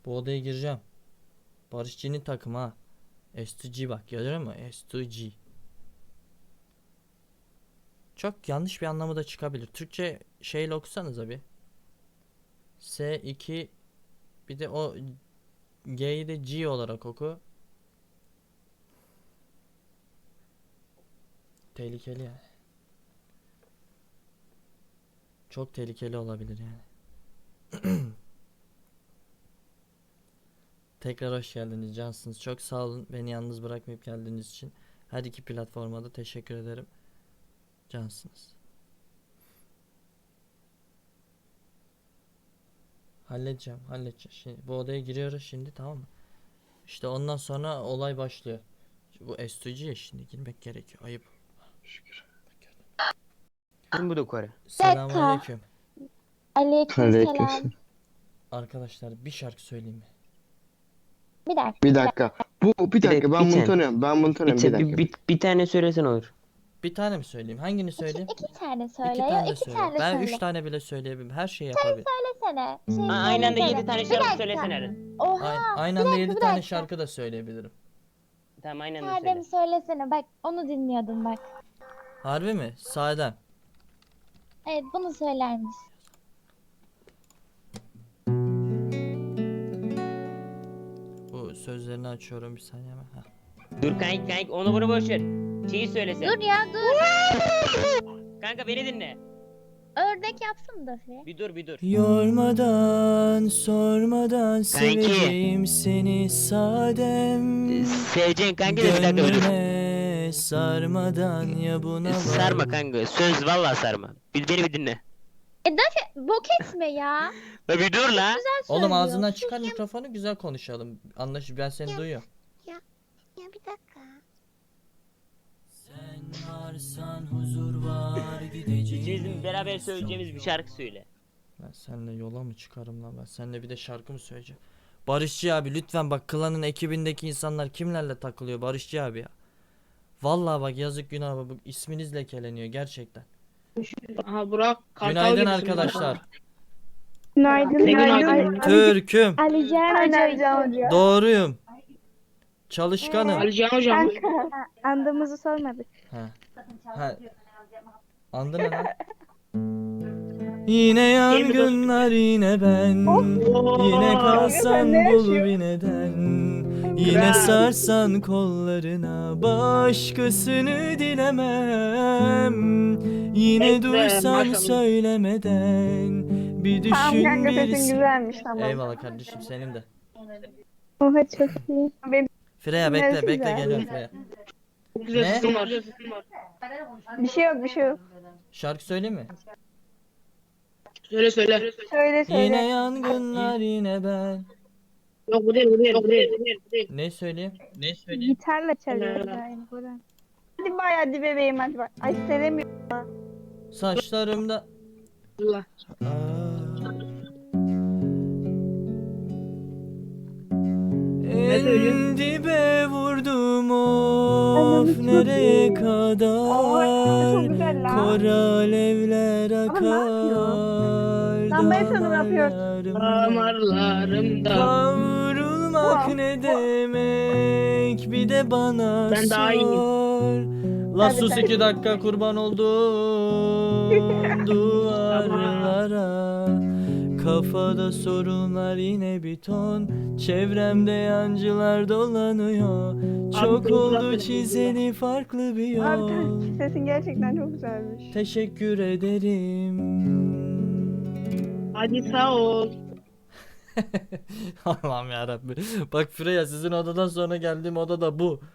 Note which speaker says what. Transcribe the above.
Speaker 1: Bu odaya gireceğim. Barışçı'nın takımı ha. S2G bak, görüyor musun? S2G. Çok yanlış bir anlamı da çıkabilir. Türkçe şeyle okusanız abi. S2, bir de o G'yi de G olarak oku. Tehlikeli yani. Çok tehlikeli olabilir yani. Tekrar hoş geldiniz, cansınız. Çok sağ olun beni yalnız bırakmayıp geldiğiniz için. Her iki platforma da teşekkür ederim. Cansınız. Halledeceğim. Şimdi bu odaya giriyoruz şimdi, tamam mı? İşte ondan sonra olay başlıyor. Bu S2G'ye şimdi girmek gerekiyor. Ayıp.
Speaker 2: Şükür.
Speaker 3: Kim bu dokore?
Speaker 1: Selamünaleyküm.
Speaker 4: Aleykümselam.
Speaker 2: Aleykümselam.
Speaker 1: Arkadaşlar bir şarkı söyleyeyim mi?
Speaker 4: Bir dakika.
Speaker 2: Bir dakika. Bir dakika, ben bunu
Speaker 3: sen.
Speaker 2: tanıyorum. Ben bunu tanıyorum. Bir dakika.
Speaker 3: Bir tane söylesen olur.
Speaker 1: Bir tane mi söyleyeyim? Hangini söyleyeyim?
Speaker 4: İki tane söyle.
Speaker 1: İki tane de
Speaker 4: İki
Speaker 1: söyle.
Speaker 4: tane
Speaker 1: Ben
Speaker 4: söyle.
Speaker 1: 3 tane bile söyleyebilirim. Her şeyi yapabilirim.
Speaker 4: Söylesene.
Speaker 3: Aynı anda
Speaker 4: söylesene.
Speaker 3: 7 tane
Speaker 4: Bir
Speaker 3: şarkı
Speaker 4: dakika.
Speaker 3: söylesene.
Speaker 4: Oha.
Speaker 1: Aynı
Speaker 4: bir
Speaker 1: anda
Speaker 4: dakika,
Speaker 1: 7
Speaker 4: bir
Speaker 1: tane
Speaker 4: dakika.
Speaker 1: şarkı da söyleyebilirim.
Speaker 3: Tamam aynı anda
Speaker 4: Erdem
Speaker 3: söyle.
Speaker 4: söylesene. Bak onu dinliyordum bak.
Speaker 1: Harbi mi? Sahiden.
Speaker 4: Evet bunu söyler misin?
Speaker 1: Bu sözlerini açıyorum bir saniye hemen. Heh.
Speaker 3: Dur kanka onu bunu boş ver. Şeyi söylesen.
Speaker 4: Dur ya dur.
Speaker 3: Kanka beni dinle.
Speaker 4: Ördek yapsın da bir.
Speaker 3: Bir dur.
Speaker 1: Yormadan, sormadan seveceğim seni sadem.
Speaker 3: Seveceksin kanka da bir dakika bir dur.
Speaker 1: Gönlüme sarmadan ya buna
Speaker 3: Sarma kanka söz vallahi sarma. Beni bir dinle.
Speaker 4: Bok etme ya.
Speaker 3: La bir dur la.
Speaker 4: Güzel
Speaker 1: Oğlum
Speaker 4: söylüyor.
Speaker 1: ağzından çıkar mikrofonu, güzel konuşalım. Ben seni duyuyorum.
Speaker 4: Ya bir dakika.
Speaker 1: Sen varsan huzur var
Speaker 3: İkimizin beraber söyleyeceğimiz bir şarkı söyle.
Speaker 1: Ben seninle yola mı çıkarım lan? Ben seninle bir de şarkı mı söyleyeceğim? Barışçı abi lütfen bak, klanın ekibindeki insanlar kimlerle takılıyor Barışçı abi ya. Vallahi bak, yazık günah, bak isminiz lekeleniyor gerçekten.
Speaker 5: Aha Burak Kartal
Speaker 1: Günaydın
Speaker 5: gibisin
Speaker 1: arkadaşlar.
Speaker 4: Günaydın.
Speaker 5: Ne günaydın?
Speaker 1: Türk'üm.
Speaker 4: Alican Hoca.
Speaker 1: Doğruyum. Çalışkanım.
Speaker 5: Ali Can hocam.
Speaker 4: Andığımızı sormadık.
Speaker 1: Ha. Ha. Andı ne lan? Yine yangınlar yine ben. Yine kalsan bul bir neden. Yine sarsan kollarına, başkasını dilemem. Yine
Speaker 5: Evet,
Speaker 1: duysan
Speaker 5: maşallah.
Speaker 1: söylemeden bir
Speaker 6: Tamam
Speaker 1: düşün
Speaker 6: kanka sesin
Speaker 1: birisi.
Speaker 6: güzelmiş tamam.
Speaker 1: Eyvallah kardeşim, senin de.
Speaker 6: Oha çok iyi. Benim
Speaker 1: Freya
Speaker 6: Neresi
Speaker 1: bekle
Speaker 6: güzel?
Speaker 1: geliyorum Freya.
Speaker 5: Çok güzel
Speaker 1: Ne?
Speaker 5: sesin var.
Speaker 6: bir şey yok bir şey yok.
Speaker 1: Şarkı söyleyeyim mi?
Speaker 5: Söyle.
Speaker 6: Söyle söyle.
Speaker 1: Yine yangınlar yine ben.
Speaker 5: Yok bu değil bu değil bu değil. Bu değil.
Speaker 1: Ne söyleyeyim?
Speaker 6: Gitarla çalıyoruz yani Burak. Hadi bay hadi bebeğim hadi bak. Ay sevemiyorum.
Speaker 1: Saçlarımda.
Speaker 5: Allah.
Speaker 1: En
Speaker 5: söylüyorsun?
Speaker 1: dibe vurdum of, nereye
Speaker 6: Oha
Speaker 1: kadar
Speaker 6: çok güzel lan.
Speaker 1: kor alevler akar
Speaker 6: Lan ben sana ne yapıyorsun?
Speaker 1: damarlarımda.
Speaker 5: Damarlarımda.
Speaker 1: Kavrulmak
Speaker 6: Wow.
Speaker 1: ne demek, bir de bana
Speaker 5: Ben daha iyiyim.
Speaker 1: sor. La
Speaker 6: Tabii,
Speaker 1: sus
Speaker 6: tabii.
Speaker 1: 2 dakika, kurban oldum duvarlara. Kafada sorunlar yine bir ton, çevremde yancılar dolanıyor. Çok
Speaker 5: Abi,
Speaker 1: oldu
Speaker 5: bırak beni,
Speaker 1: çizeli farklı bir
Speaker 6: Abi
Speaker 1: yol.
Speaker 6: kanki sesin gerçekten çok güzelmiş.
Speaker 1: Teşekkür ederim.
Speaker 5: Hadi sağ ol.
Speaker 1: Allah'ım yarabbim. Bak Freya, sizin odadan sonra geldiğim oda da bu.